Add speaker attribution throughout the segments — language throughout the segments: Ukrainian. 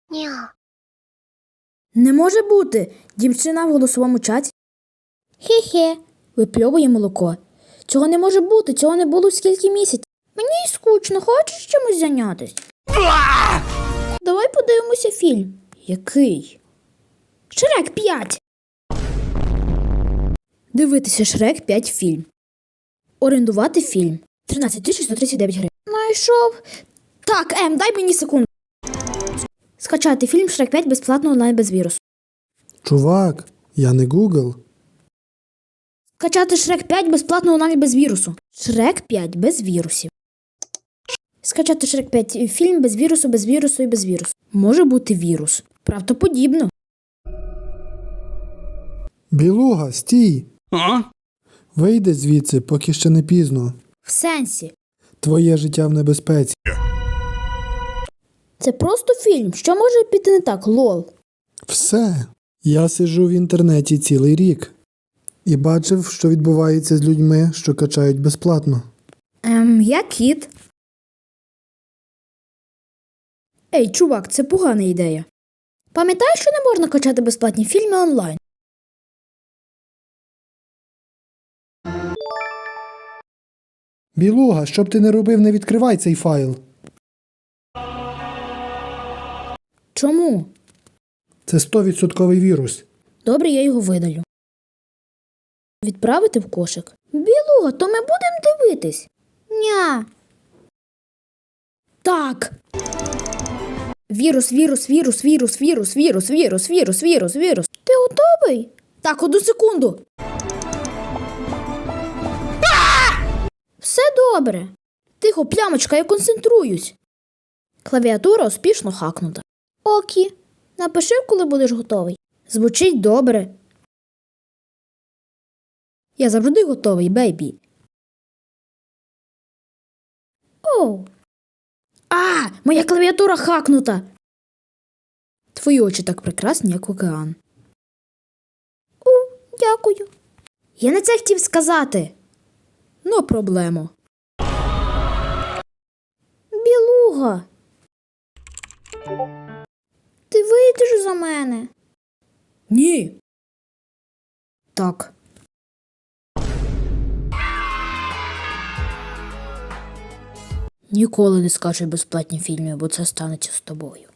Speaker 1: Ня.
Speaker 2: Не може бути! Дівчина в голосовому чаті. Хе-хе, випльовує молоко. Цього не може бути, цього не було скільки місяців. Мені скучно, хочеш чимось зайнятися? Давай подивимося фільм. Який? Шрек 5. Дивитися Шрек 5 фільм. Орендувати фільм. 13 139 гривень. Найшов. Так, дай мені секунду. Скачати фільм Шрек 5 безплатно онлайн без вірусу.
Speaker 3: Чувак, я не Google.
Speaker 2: Скачати Шрек 5 безплатно онлайн без вірусу. Шрек 5 без вірусів. Скачати Шрек 5 фільм без вірусу і без вірусу. Може бути вірус. Правдоподібно.
Speaker 3: Білуга, стій!
Speaker 4: А?
Speaker 3: Вийди звідси, поки ще не пізно.
Speaker 2: В сенсі.
Speaker 3: Твоє життя в небезпеці.
Speaker 2: Це просто фільм. Що може піти не так, лол?
Speaker 3: Все. Я сиджу в інтернеті цілий рік. І бачив, що відбувається з людьми, що качають безплатно.
Speaker 2: Я кіт. Ей, чувак, це погана ідея. Пам'ятаєш, що не можна качати безплатні фільми онлайн?
Speaker 3: Білуга, що б ти не робив, не відкривай цей файл.
Speaker 2: Чому?
Speaker 3: Це 100% вірус.
Speaker 2: Добре, я його видалю. Відправити в кошик? Білуга, то ми будемо дивитись? Ня. Так. Вірус. Ти готовий? Так, 1 секунду. Все добре. Тихо, плямочка, я концентруюсь. Клавіатура успішно хакнута. Окі, напиши, коли будеш готовий. Звучить добре. Я завжди готовий, бейбі. Оу. Моя клавіатура хакнута. Твої очі так прекрасні, як океан. Дякую. Я не це хотів сказати. Ну, проблема. Білуга. Ти вийдеш за мене? Ні. Так. Ніколи не скачуй безплатні фільми, бо це станеться з тобою.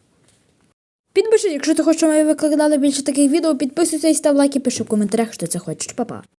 Speaker 2: Підпишись, якщо ти хочеш, щоб ми викладали більше таких відео, підписуйся і став лайк і пиши в коментарях, що ти це хочеш. Па-па.